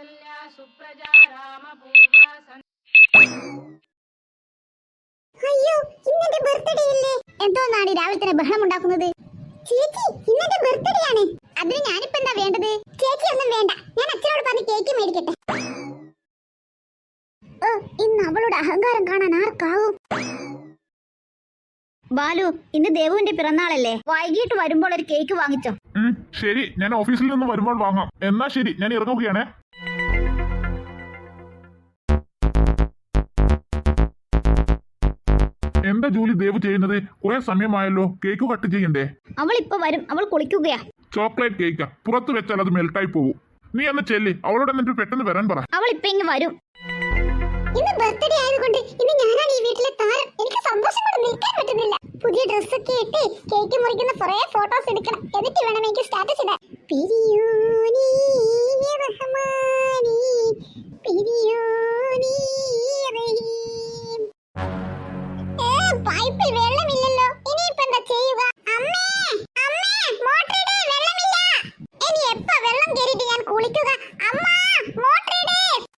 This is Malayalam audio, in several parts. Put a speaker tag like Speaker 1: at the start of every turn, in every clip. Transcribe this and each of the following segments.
Speaker 1: കൗസല്യ സുപ്രജ രാമപൂർവ.
Speaker 2: അയ്യോ, ഇന്നെന്റെ ബർത്ത്ഡേ ഇല്ലേ? എന്തോന്നാണ് രാവിലെ തന്നെ ബഹളം ഉണ്ടാക്കുന്നത്? ചേച്ചി, ഇന്നെന്റെ ബർത്ത്ഡേ ആണ്. അതിന് ഞാനിപ്പോ എന്താ വേണ്ടത്? ചേച്ചി ഒന്നും വേണ്ട, ഞാൻ അച്ഛനോട് പറഞ്ഞ് കേക്ക് മേടിക്കട്ടെ. ഓ, ഇന്ന് അവളുടെ അഹങ്കാരം കാണാൻ ആർക്കാവും? ബാലു, ഇന്ന് ദേവുവിന്റെ പിറന്നാളല്ലേ, വൈകിട്ട് വരുമ്പോൾ ഒരു കേക്ക് വാങ്ങിച്ചോ.
Speaker 3: ശരി, ഞാൻ ഓഫീസിൽ നിന്ന് വരുമ്പോൾ വാങ്ങാം. എന്നാ ശരി, ഞാൻ ഇറങ്ങുകയാണേ. എന്താ ജോലി ദേവ് ചെയ്യുന്നത്? കുറെ സമയമായല്ലോ, കേക്ക് കട്ട് ചെയ്യണ്ടേ?
Speaker 2: അവൾ ഇപ്പൊ വരും, അവൾ കുളിക്കുകയാ.
Speaker 3: ചോക്ലേറ്റ് കേക്കാ, പുറത്ത് വെച്ചാൽ അത് മെൽട്ടായി പോകും. നീ എന്ന് ചെല്ലി അവളോട് എന്നിട്ട് പെട്ടെന്ന് വരാൻ പറ.
Speaker 2: അവൾ ഇപ്പൊ ഇങ്ങ് വരും. ഇന്ന് ബർത്ത്ഡേ ആയതുകൊണ്ട് ഇന്ന് ഞാനാണ് ഈ വീട്ടിലെ താരം. എനിക്ക് സന്തോഷം കൊണ്ട് നിൽക്കാൻ പറ്റുന്നില്ല. പുതിയ ഡ്രസ്സൊക്കെ ഇട്ട് കേക്ക് മുറിക്കുന്ന കുറെ ഫോട്ടോസ് എടുക്കണം, എന്നിട്ട് വേണം എനിക്ക് സ്റ്റാറ്റസ് ഇടാൻ. പിരിയോനി റഹ്മാനി പിരിയോനി റഹീം. പൈപ്പിൽ വെള്ളമില്ലല്ലോ, ഇനിയിപ്പോ എന്താ ചെയ്യുക? അമ്മേ, അമ്മേ, മോട്ടർ ഇട്, വെള്ളമില്ല. ഇനി എപ്പോ വെള്ളം കേറിയിട്ട് ഞാൻ കുളിക്കുക? അമ്മ, മോട്ടർ ഇട്.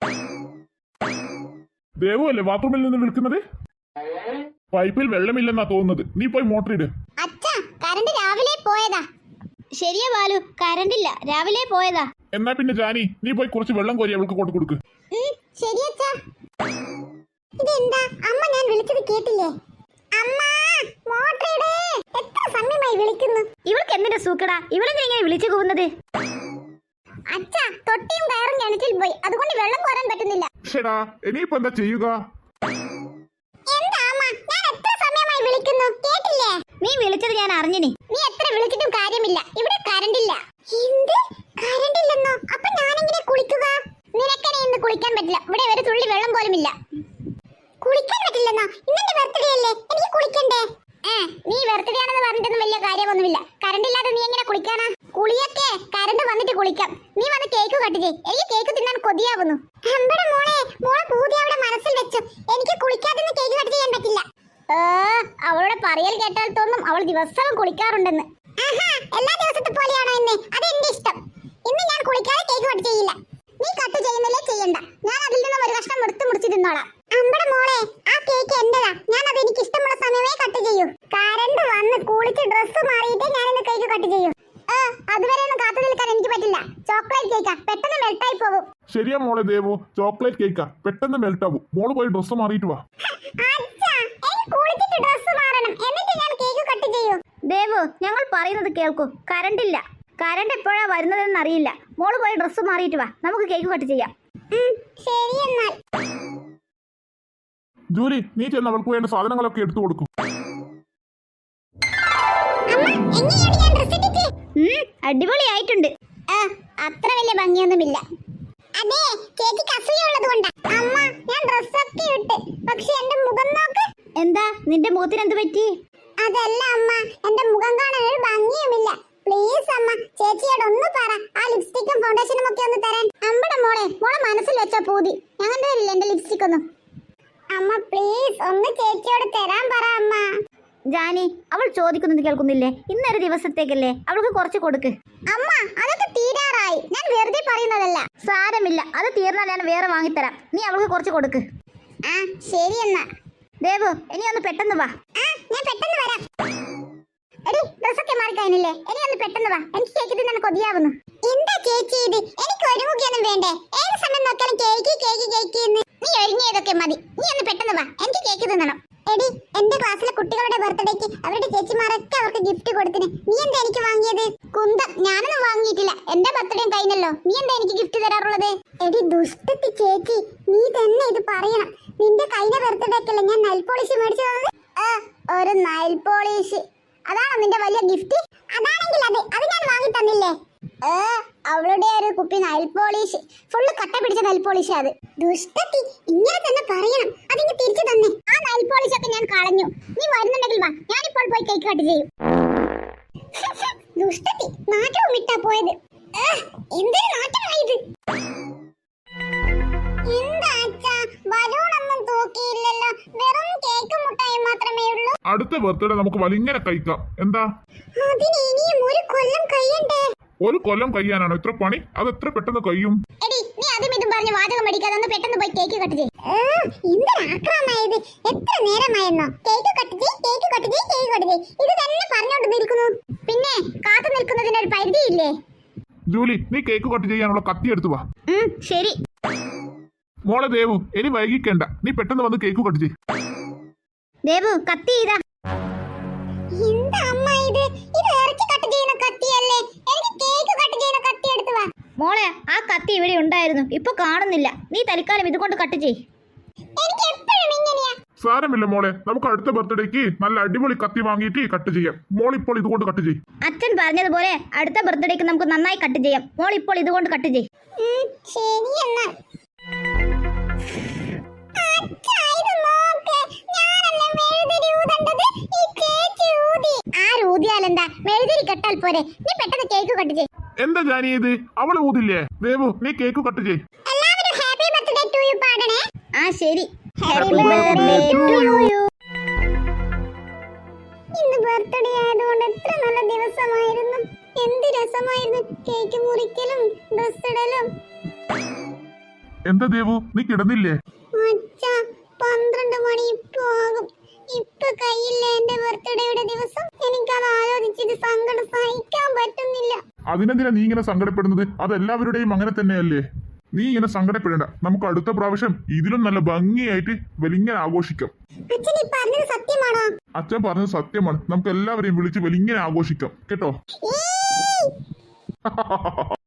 Speaker 3: ദേവു അല്ലേ ബാത്റൂമിൽ നിന്ന് വിളിക്കുന്നത്? പൈപ്പിൽ വെള്ളമില്ലെന്നാ തോന്നുന്നത്. നീ പോയി മോട്ടർ ഇട്.
Speaker 2: അച്ഛാ, കറണ്ട് രാവിലെ പോയതാ. ശരിയാ ബാലു, കറണ്ടില്ല, രാവിലെ പോയതാ.
Speaker 3: എന്നാ പിന്നെ ജാനി, നീ പോയി കുറച്ച് വെള്ളം കോരി അവൾക്ക് കൊണ്ട് കൊടുക്ക്.
Speaker 2: ശരി അച്ഛാ. ഇതെന്താ അമ്മ, ഞാൻ വിളിച്ചത് കേട്ടില്ലേ? അമ്മ, മോട്ടർ ഇട്. എത്ര സമയമായി വിളിക്കുന്നു. ഇവൾക്ക് എന്തിന്റെ സൂക്കടാ, ഇവളെന്താ ഇങ്ങനെ വിളിച്ചു പോകുന്നത്? അച്ഛാ, തൊട്ടിയും കയറും കിണറ്റിൽ പോയി, അതുകൊണ്ട് വെള്ളം കോരാൻ പറ്റുന്നില്ല.
Speaker 3: ശരാ, ഇനിയിപ്പോ എന്താ ചെയ്യുക?
Speaker 2: എന്താ അമ്മ, ഞാൻ എത്ര സമയമായി വിളിക്കുന്നു, കേട്ടില്ലേ? നീ വിളിച്ചത് ഞാൻ അറിഞ്ഞിനി. നീ എത്ര വിളിച്ചിട്ടും കാര്യമില്ല, ഇവിടെ കറണ്ട് ഇല്ല. എന്ത്, കറണ്ട് ഇല്ലെന്നോ? അപ്പൊ ഞാനെങ്ങനെ കുളിക്കുക? നിനക്കെന്നെ ഇന്ന് കുളിക്കാൻ പറ്റില്ല, ഇവിടെ ഒരു തുള്ളി വെള്ളം പോലും ഇല്ല. കുളിക്കാൻ പറ്റില്ലെന്നോ? ഇന്നെന്റെ ബർത്ത്ഡേ അല്ലേ, എനിക്ക് കുളിക്കണ്ടേ? നീ ബർത്ത്ഡേ ആണെന്ന് പറഞ്ഞിട്ടൊന്നും വലിയ കാര്യമൊന്നുമില്ല. കറണ്ട് ഇല്ലാതെ നീ എങ്ങനെ കുളിക്കാനാ? കുളിയൊക്കെ കറണ്ട് വന്നിട്ട് കുളിക്കാം. നീ വന്ന് കേക്ക് കട്ട് ചെയ്യ്, എനിക്ക് കേക്ക് തിന്നാൻ കൊതിയാവുന്നു. അമ്പടെ മോളെ, മോളെ പൂതി അവിടെ മനസ്സിൽ വെച്ചു. എനിക്ക് കുളിക്കാതെ കേക്ക് കട്ട് ചെയ്യാൻ പറ്റില്ല. അവളുടെ പറയൽ കേട്ടാൽ തോന്നും അവൾ ദിവസവും കുളിക്കാറുണ്ടെന്ന്. എല്ലാ ദിവസത്തെ പോലെയാണോ ഇന്ന്? അതെന്റെ ഇഷ്ടം. ഇന്ന് ഞാൻ കുളിക്കാതെ കേക്ക് കട്ട് ചെയ്യില്ല. നീ കട്ട് ചെയ്യുന്നില്ലേ, ചെയ്യണ്ട. ഞാൻ അതിൽ നിന്നും ഒരു കഷ്ണം മുറിച്ച് തിന്നോളാം. അമ്പടെ മോളെ, ആ കേക്ക് എന്റെതാ. ഞാൻ അത് എനിക്ക് ഇഷ്ടമുള്ള സമയമേ കട്ട് ചെയ്യൂ. കറണ്ട് വന്ന് കുളിച്ച് ഡ്രസ്സ് മാറിയിട്ടേ ഞാൻ ഇന്ന് കേക്ക് കട്ട് ചെയ്യൂ. അതുവരെ ഒന്നും കാത്തു നിൽക്കാൻ എനിക്ക് പറ്റില്ല. ചോക്ലേറ്റ് കേക്കാ, പെട്ടെന്ന് മെൽട്ടായി പോകും.
Speaker 3: ശരിയാ മോളെ ദേവു, ചോക്ലേറ്റ് കേക്കാ, പെട്ടെന്ന് മെൽറ്റ് ആവും. മോള് പോയി ഡ്രസ്സ് മാറിയിട്ട് വാ.
Speaker 2: ദേവു, ഞങ്ങൾ പറയുന്നത് കേൾക്കൂ. കറണ്ടില്ല, കറണ്ട് എപ്പോഴാ വരുന്നതെന്ന് അറിയില്ല. മോള് പോയി ഡ്രസ്സ് മാറിയിട്ട് വാ, നമുക്ക് കേക്ക് കട്ട് ചെയ്യാം. ശരി എന്നാൽ.
Speaker 3: ജൂലി, നീ ചെന്ന് അവൾക്ക് വേണ്ട സാധനങ്ങളൊക്കെ എടുത്തു കൊടുക്കും.
Speaker 2: അടിപൊളിയായിട്ടുണ്ട്. അത്ര വലിയ ഭംഗിയൊന്നുമില്ല. അതെ, ചേച്ചിക്ക് അസൂയുള്ളത് കൊണ്ടാ. അമ്മ, ഞാൻ ഡ്രസ്സൊക്കെ ഇട്ട്, പക്ഷെ എന്റെ മുഖം നോക്ക്. എന്താ, നിന്റെ മുഖത്തിന് എന്ത് പറ്റി? അതല്ല അമ്മ, എന്റെ മുഖം കാണാൻ ഒരു ഭംഗിയുമില്ല. പ്ലീസ് അമ്മ, ചേച്ചിയോട് ഒന്ന് പറ, ആ ലിപ്സ്റ്റിക്കും ഫൗണ്ടേഷനും ഒക്കെ ഒന്ന് തരാൻ. അമ്പടെ മോളെ, മോളെ മനസ്സിൽ വെച്ച പൂതി. ഞങ്ങൾ തരില്ല എന്റെ ലിപ്സ്റ്റിക് ഒന്നും. അമ്മ പ്ലീസ്, ഒന്ന് ചേച്ചിയോട് തരാൻ പറ അമ്മ. ജാനി, അവൾ ചോദിക്കുന്നത് കേൾക്കുന്നില്ലേ? ഇന്നൊരു ദിവസത്തേക്കല്ലേ, അവൾക്ക് കുറച്ച് കൊടുക്ക്. അമ്മ, അതൊക്കെ തീരാറായി. ഞാൻ വെറുതെ പറയുന്നതല്ല. സാരമില്ല, അത് തീർന്നാൽ ഞാൻ വേറെ വാങ്ങിത്തരാം. നീ അവൾക്ക് കുറച്ച് കൊടുക്ക്. ശരി എന്നാ. ദേവു, ഇനി ഒന്ന് പെട്ടെന്ന് വാ. ഞാൻ പെട്ടെന്ന് വരാം. എടി, ഡ്രസ്സൊക്കെ മാറിക്കഴിഞ്ഞില്ലേ? ഇനി ഒന്ന് പെട്ടെന്ന് വാ, എനിക്ക് കേക്ക് തിന്നാൻ കൊതിയാവുന്നു. എന്താ ചേച്ചി ഇത്? എനിക്ക് ഒരുങ്ങുകയൊന്നും വേണ്ടേ? ഏത് സമയം നോക്കിയാലും കേക്ക് കേക്ക് കേക്ക് എന്ന്. നീ ഒരുങ്ങിയതൊക്കെ മതി, നീ ഒന്ന് പെട്ടെന്ന് വാ, എനിക്ക് കേക്ക് തിന്നണം. എടി, എന്റെ ക്ലാസ്സിലെ കുട്ടികളുടെ ബർത്ത്ഡേക്ക് അവരുടെ ചേച്ചിമാരൊക്കെ അവർക്ക് ഗിഫ്റ്റ് കൊടുത്തിന്. നീ എന്താ എനിക്ക് വാങ്ങിയത്? കുന്തം, ഞാനൊന്നും വാങ്ങിയിട്ടില്ല. എന്റെ ബർത്ത്ഡേ കഴിഞ്ഞല്ലോ, നീ എന്താ എനിക്ക് ഗിഫ്റ്റ് തരാറുള്ളത്? എടി ദുഷ്ടത്തി ചേച്ചി, നീ തന്നെ ഇത് പറയണം. നിന്റെ കഴിഞ്ഞ ബർത്ത്ഡേക്കല്ലേ ഞാൻ നൈൽ പോളിഷ് മേടിച്ചു തന്നത്? ഒരു നൈൽ പോളിഷ്, അതാണോ നിന്റെ വലിയ ഗിഫ്റ്റ്? അതാണെങ്കിൽ അത് ഞാൻ വാങ്ങി തന്നില്ലേ? അവളുടെ ഒരു കുപ്പി നൈൽ പോളിഷ്, ഫുള്ള് കട്ട പിടിച്ച നൈൽ പോളിഷ്. അത് ദുഷ്ടത്തി, ഇങ്ങനെ തന്നെ പറയണം. അതിങ്ങ് തിരിച്ചു തന്നെ. ആ നൈൽ പോളിഷ് ഒക്കെ ഞാൻ കളഞ്ഞു. നീ വരുന്നുണ്ടെങ്കിൽ വാ, ഞാനിപ്പോൾ പോയി കേക്ക് കട്ട് ചെയ്യും. ദുഷ്ടത്തി, നാറ്റവും വിട്ടാ പോയത്. എന്തൊരു നാറ്റമായത്. എന്താ അച്ഛാ, ബലൂണൊന്നും തൂക്കിയില്ലല്ലോ, വെറും കേക്ക് മുട്ടായി മാത്രമേ ഉള്ളൂ.
Speaker 3: അടുത്ത ബർത്ത്ഡേ നമുക്ക് വലിങ്ങനെ കഴിക്കാം. എന്താ?
Speaker 2: അതിന് ഇനിയും ഒരു കൊല്ലം കഴിയണ്ടേ?
Speaker 3: ഒരു കൊല്ലം കഴിയാനാണോ ഇത്ര പണി? അത് എത്ര പെട്ടെന്ന് കഴിയും?
Speaker 2: എടി, നീ അതും ഇതും പറഞ്ഞ് വാചകം പഠിക്കാതെ ഒന്ന് പെട്ടെന്ന് പോയി കേക്ക് കട്ട് ചെയ്യ്. എന്തൊരാക്രമായത്, എത്ര നേരമായിരുന്നോ കേക്ക് കട്ട് ചെയ്യ്, കേക്ക് കട്ട് ചെയ്യ്, കേക്ക് കട്ട് ചെയ്യ്, ഇത് തന്നെ പറഞ്ഞോണ്ട് നിൽക്കുന്നു. പിന്നെ കാത്തു നിൽക്കുന്നതിനൊരു പരിധിയില്ലേ?
Speaker 3: ജൂലി, നീ കേക്ക് കട്ട് ചെയ്യാനുള്ള കത്തി എടുത്തു വാ.
Speaker 2: ശരി.
Speaker 3: മോളെ ദേവു, ഇനി വൈകിക്കേണ്ട, നീ പെട്ടെന്ന് വന്ന് കേക്ക് കട്ട് ചെയ്യ്.
Speaker 2: ദേവു, കത്തി ഇതാ. എന്താ അമ്മ ഇത്? ഇത് ഇറച്ചി കട്ട് ചെയ്യുന്ന കത്തിയല്ലേ? എനിക്ക് കേക്ക് കട്ട് ചെയ്യുന്ന കത്തി എടുത്തു വാ. മോളെ, ആ കത്തി ഇവിടെ ഉണ്ടായിരുന്നു, ഇപ്പൊ കാണുന്നില്ല. നീ തൽക്കാലം ഇതുകൊണ്ട് കട്ട് ചെയ്യ്. എനിക്ക് എപ്പോഴും ഇങ്ങനെയാ.
Speaker 3: സാരമില്ല മോളെ, നമുക്ക് അടുത്ത ബർത്ത്ഡേക്ക് നല്ല അടിപൊളി കത്തി വാങ്ങിയിട്ട് കട്ട് ചെയ്യാം. മോൾ ഇപ്പോൾ ഇതുകൊണ്ട് കട്ട് ചെയ്യ്.
Speaker 2: അച്ഛൻ പറഞ്ഞതുപോലെ അടുത്ത ബർത്ത്ഡേക്ക് നമുക്ക് നന്നായി കട്ട് ചെയ്യാം. മോൾ ഇപ്പോൾ ഇതുകൊണ്ട് കട്ട് ചെയ്യ്. ശരി എന്നാ. ഊതിയാലെന്താ, മെഴുതിരി കെട്ടാൽ പോരെ. നീ പെട്ടെന്ന് കേക്ക് കട്ട് ചെയ്യ്.
Speaker 3: എന്താ ജാനി ഇത്? അവള് ഊതില്ലേ? ദേവു, നീ കേക്ക് കട്ട് ചെയ്യ്.
Speaker 2: എല്ലാവരും ഹാപ്പി ബർത്ത്ഡേ ടു യു പാടണേ. ആ ശരി. Happy birthday to you. ഇന്ന് ബർത്ത്ഡേ ആയതുകൊണ്ട് എത്ര നല്ല ദിവസമായിരുന്നു. എന്ത് രസമായിരുന്നു കേക്ക് മുറിക്കലും ഡ്രസ് ഇടലും.
Speaker 3: എന്താ ദേവു, നീ കിടന്നില്ലേ?
Speaker 2: അച്ഛാ, 12 മണി ഇപ്പൊ ആകും. ഇപ്പൊ കയ്യില്ല എന്റെ ബർത്ത്ഡേയുടെ ദിവസം. എനിക്കത് ആലോചിച്ചിട്ട് സങ്കടം സഹിക്കാൻ പറ്റുന്നില്ല.
Speaker 3: അതിനെന്തിനാ നീ ഇങ്ങനെ സങ്കടപ്പെടുന്നത്? അതെല്ലാവരുടെയും അങ്ങനെ തന്നെയല്ലേ. നീ ഇങ്ങനെ സങ്കടപ്പെടേണ്ട. നമുക്ക് അടുത്ത പ്രാവശ്യം ഇതിലും നല്ല ഭംഗിയായിട്ട് വലിങ്ങനെ ആഘോഷിക്കാം.
Speaker 2: അച്ഛൻ ഈ പറഞ്ഞത് സത്യമാണോ?
Speaker 3: അച്ഛൻ പറഞ്ഞത് സത്യമാണ്. നമുക്ക് എല്ലാവരെയും വിളിച്ച് വലിങ്ങനെ ആഘോഷിക്കാം കേട്ടോ.